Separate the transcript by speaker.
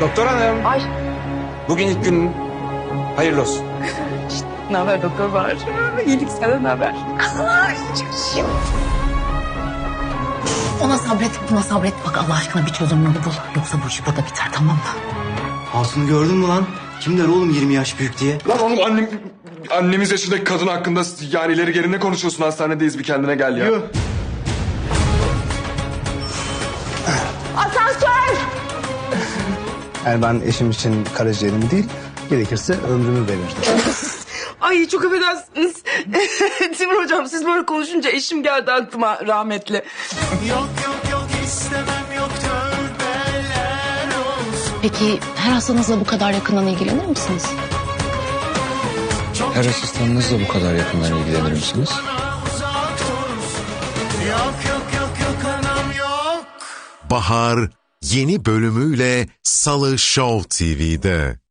Speaker 1: Doktor hanım.
Speaker 2: Ay.
Speaker 1: Bugün ilk gün hayırlı olsun.
Speaker 2: Ne haber doktor var? İyilik, sana ne haber? Ay, çok
Speaker 3: Ona sabret, buna sabret. Bak Allah aşkına bir çözüm yolu bul. Yoksa bu iş burada biter, tamam mı?
Speaker 4: Hatun'u gördün mü lan? Kim der oğlum 20 yaş büyük diye?
Speaker 5: Lan oğlum annemiz yaşındaki kadın hakkında yani ileri geri ne konuşuyorsun? Hastanedeyiz, bir kendine gel ya.
Speaker 2: Asansör!
Speaker 6: Yani ben eşim için karaciğerimi değil, gerekirse ömrümü verirdim.
Speaker 2: Ay çok affedersiniz. Timur hocam siz böyle konuşunca eşim geldi aklıma rahmetli.
Speaker 7: Yok istemem yok tövbeler olsun.
Speaker 3: Peki her hastanızla bu kadar yakından ilgilenir misiniz?
Speaker 8: Her asistanınızla bu kadar yakından ilgilenir misiniz?
Speaker 7: Uzak dursun. Yok anam yok.
Speaker 9: Bahar yeni bölümüyle Salı Show TV'de.